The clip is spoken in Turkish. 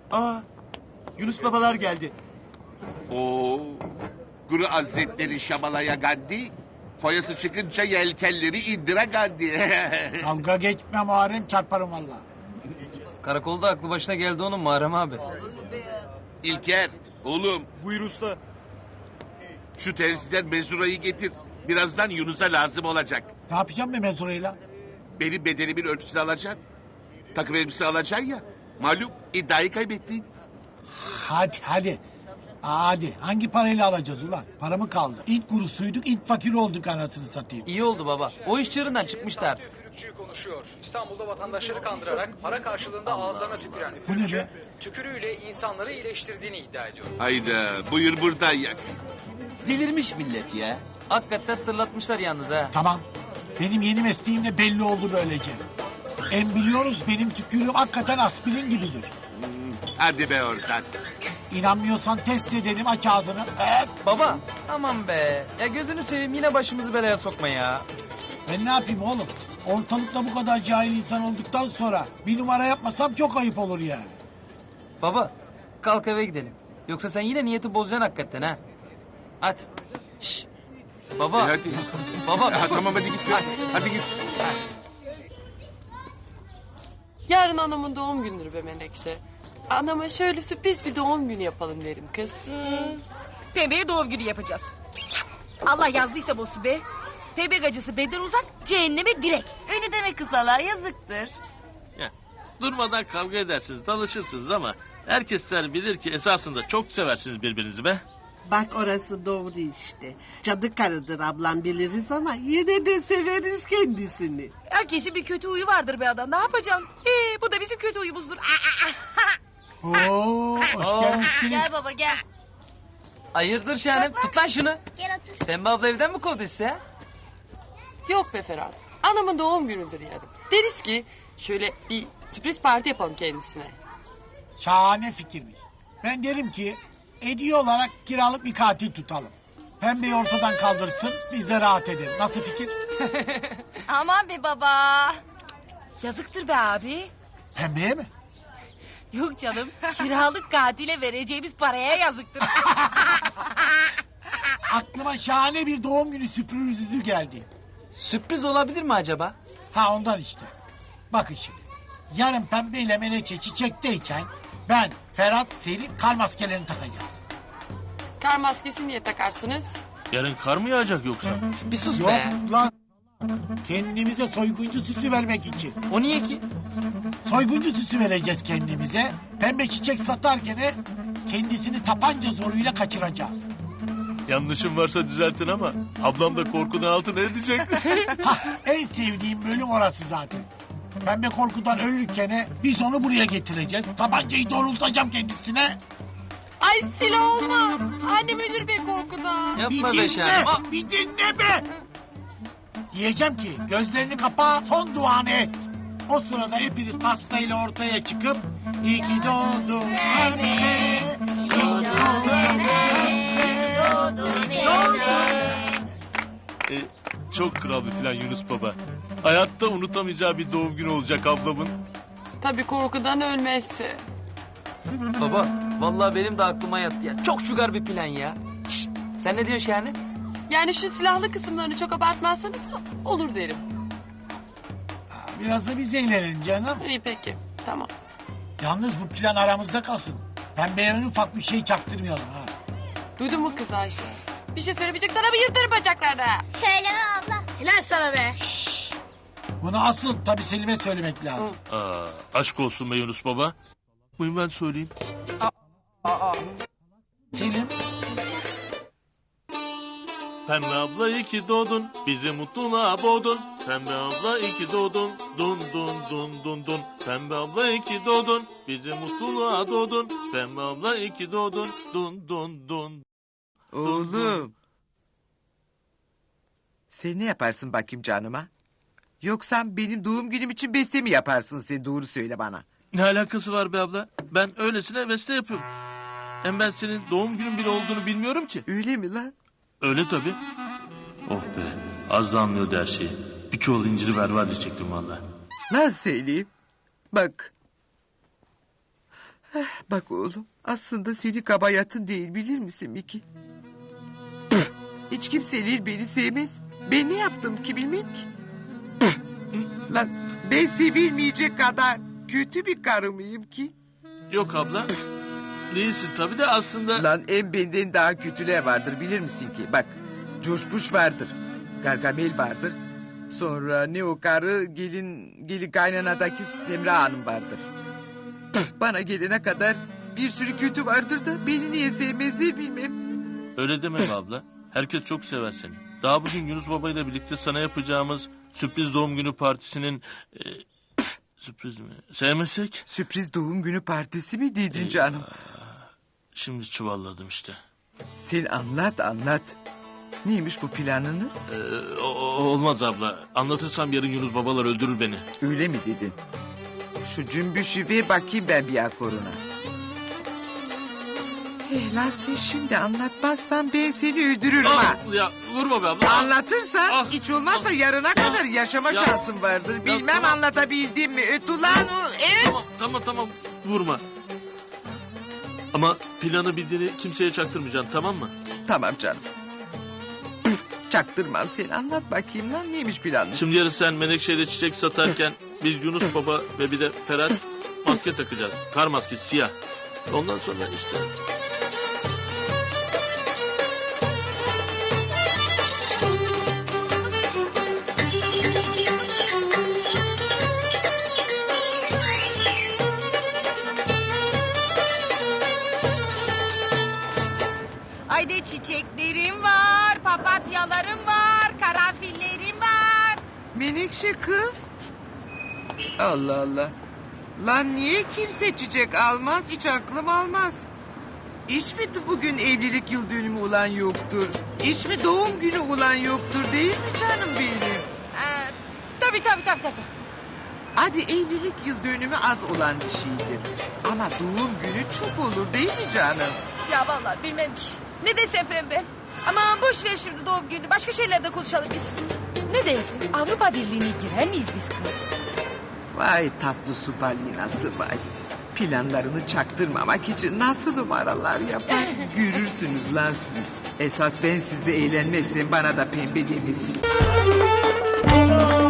Aa, Yunus babalar geldi. Oo, Guru Hazretleri Şamalaya Gandhi, foyası çıkınca yelkenleri indire Gandhi. Dalga geçme Muharrem, çarparım valla. Karakolda aklı başına geldi onun Muharrem abi. İlker, oğlum Buyur usta. şu terziden mezurayı getir. Birazdan Yunus'a lazım olacak. Ne yapacağım ben mezurayla? Benim bedenimin ölçüsünü alacaksın. Takım elbise alacaksın ya. Malum iddiayı kaybettin. Hadi. Hadi. Hangi parayla alacağız ulan? Para mı kaldı? İlk kurusuyduk, ilk fakir olduk anasını satayım. İyi oldu baba. O iş çığırından çıkmıştı artık. Üfürükçü konuşuyor. İstanbul'da vatandaşları kandırarak para karşılığında ağızlarına tüküren Bu ne üfürükçü, be? tükürüğüyle insanları iyileştirdiğini iddia ediyor. Hayda, buyur buradan yak. Delirmiş millet ya. Hakikaten tırlatmışlar yalnız ha. Tamam. Benim yeni mesleğimle belli oldu böylece. Biliyoruz benim tükürüğüm hakikaten aspirin gibidir. Hadi be oradan. İnanmıyorsan test edelim, aç ağzını. Baba aman be. Ya gözünü seveyim yine başımızı belaya sokma ya. Ben ne yapayım oğlum? Ortalıkta bu kadar cahil insan olduktan sonra bir numara yapmasam çok ayıp olur yani. Baba kalk eve gidelim. Yoksa sen yine niyeti bozacaksın hakikaten ha. Hadi. Şş. Baba. Hadi. Baba. Ha, tamam hadi git. Hadi git. Yarın anamın doğum günüdür be Menekşe. Anama şöyle sürpriz bir doğum günü yapalım derim kız. Pembe'ye doğum günü yapacağız. Allah yazdıysa bosu be. Pembe gacısı beden uzak, cehenneme direkt. Öyle deme kısalar, yazıktır. Ya, durmadan kavga edersiniz, tanışırsınız ama herkesler bilir ki esasında çok seversiniz birbirinizi be. Bak orası doğru işte. Cadı karıdır ablam biliriz ama yine de severiz kendisini. Herkesin bir kötü huyu vardır be adam. Ne yapacaksın? Bu da bizim kötü huyumuzdur. Oo, hoş gelmişsiniz. Gel baba gel. Hayırdır Şahanem? Tut lan şunu. Gel otur. Pembe abla evden mi kovdu sizi ha? Yok be Ferhat. Anamın doğum günüdür yarın. Deriz ki şöyle bir sürpriz parti yapalım kendisine. Şahane fikirmiş. Ben derim ki hediye olarak kiralık bir katil tutalım. Pembeyi ortadan kaldırsın, biz de rahat edelim. Nasıl fikir? Aman be baba. Yazıktır be abi. Pembeye mi? Yok canım. Kiralık katile vereceğimiz paraya yazıktır. Aklıma şahane bir doğum günü sürprizi geldi. Sürpriz olabilir mi acaba? Ha ondan işte. Bakın şimdi. Yarın Pembe ile Menekşe çiçekteyken ben, Ferhat, Selim kar maskelerini takacağız. Kar maskesi niye takarsınız? Yarın kar mı yağacak yoksa? Bir sus Yok be. lan. Kendimize soyguncu süsü vermek için. O niye ki? Soyguncu süsü vereceğiz kendimize. Pembe çiçek satarken kendisini tapanca zoruyla kaçıracağız. Yanlışım varsa düzeltin ama ablam da korkudan altına edecek. Hah, en sevdiğim bölüm orası zaten. Pembe korkudan ölürken biz onu buraya getireceğiz. Tabancayı doğrultacağım kendisine. Ay silah olmaz. Annem ölür be korkudan. Yapma Bir be dinle, Şahanem. bir dinle be. Diyeceğim ki gözlerini kapa, son duanı et. O sırada hepiniz pastayla ortaya çıkıp iyi ki doğdun Pembe. İyi ki doğdun Çok kral bir plan Yunus baba. Hayatta unutamayacağı bir doğum günü olacak ablamın. Tabii korkudan ölmezse. Baba vallahi benim de aklıma yattı ya. Çok şugar bir plan ya. Şşt, sen ne diyorsun Şahane? Yani şu silahlı kısımlarını çok abartmazsanız olur derim. Biraz da biz eğlenelim canım. İyi peki tamam. Yalnız bu plan aramızda kalsın. Pembeye en ufak bir şey çaktırmayalım ha. Duydun mu kız Ayşe? Bir şey söylemeyecekler ama yırtarım bacaklarına. Söyleme abla. Helal sana be. Bunu asıl tabii Selim'e söylemek lazım. Aşk olsun be Yunus baba. Buyurun ben söyleyeyim. Selim, Pembe abla iyi ki doğdun, bizi mutluluğa boğdun. Pembe abla iyi ki doğdun, dun dun dun dun dun. Pembe abla iyi ki doğdun, bizi mutluluğa doğdun. Pembe abla iyi ki doğdun, dun dun dun. Oğlum. Sen ne yaparsın bakayım canıma? Yoksa benim doğum günüm için beste mi yaparsın sen, doğru söyle bana. Ne alakası var be abla? Ben öylesine beste yapıyorum. Hem ben senin doğum günün bile olduğunu bilmiyorum ki. Öyle mi lan? Öyle tabii. Oh be, az da anlıyordu her şeyi. Bir çuval inciri berber diyecektim valla. Nasıl söyleyeyim? Bak. Bak oğlum, aslında seni kabayatın değil, bilir misin Miki? Hiç kimseler beni sevmez. Ben ne yaptım ki bilmem ki. Lan ben sevilmeyecek kadar kötü bir karı mıyım ki? Yok abla. Değilsin tabii de aslında... Lan en benden daha kötüler vardır, bilir misin ki? Bak, George Bush vardır. Gargamel vardır. Sonra ne o karı, gelin kaynanadaki Semra Hanım vardır. Bana gelene kadar bir sürü kötü vardır da beni niye sevmezler bilmem. Öyle deme be abla. Herkes çok sever seni. Daha bugün Yunus Baba ile birlikte sana yapacağımız sürpriz doğum günü partisinin... sürpriz mi? Sevmesek? Sürpriz doğum günü partisi mi dedin canım? Şimdi çuvalladım işte. Sen anlat. Neymiş bu planınız? Olmaz abla. Anlatırsam yarın Yunus Babalar öldürür beni. Öyle mi dedin? Şu cümbüşü ver bakayım ben bir akoruna. Lan sen şimdi anlatmazsan ben seni öldürürüm ha. Ya vurma be abla. Anlatırsan hiç olmazsa yarına kadar yaşama Ya. şansın vardır. Bilmem tamam. anlatabildim mi? Öt ulan o. Evet. Tamam. Vurma. Ama planı bildiğini kimseye çaktırmayacaksın, tamam mı? Tamam canım. Çaktırmam, sen anlat bakayım lan, neymiş planın? Şimdi yarın sen Menekşe'yle çiçek satarken biz Yunus Baba ve bir de Ferhat maske takacağız. Kar maskesi siyah. Ondan sonra işte... Ayda çiçeklerim var, papatyalarım var, karanfillerim var. Menekşe kız. Allah Allah. Lan niye kimse çiçek almaz, hiç aklım almaz. Hiç mi bugün evlilik yıl dönümü olan yoktur? Hiç mi doğum günü olan yoktur, değil mi canım benim? Tabii. Hadi evlilik yıl dönümü az olan bir şeydir. Ama doğum günü çok olur, değil mi canım? Ya vallahi bilmem ki. Ne desem pembe. Ama boş ver şimdi doğum günü. Başka şeylerde konuşalım biz. Ne dersin? Avrupa Birliği'ne girer miyiz biz kız? Vay tatlı su balinası vay. Planlarını çaktırmamak için nasıl numaralar yapar? Görürsünüz lan siz. Esas ben sizde eğlenmezsem bana da pembe demesin.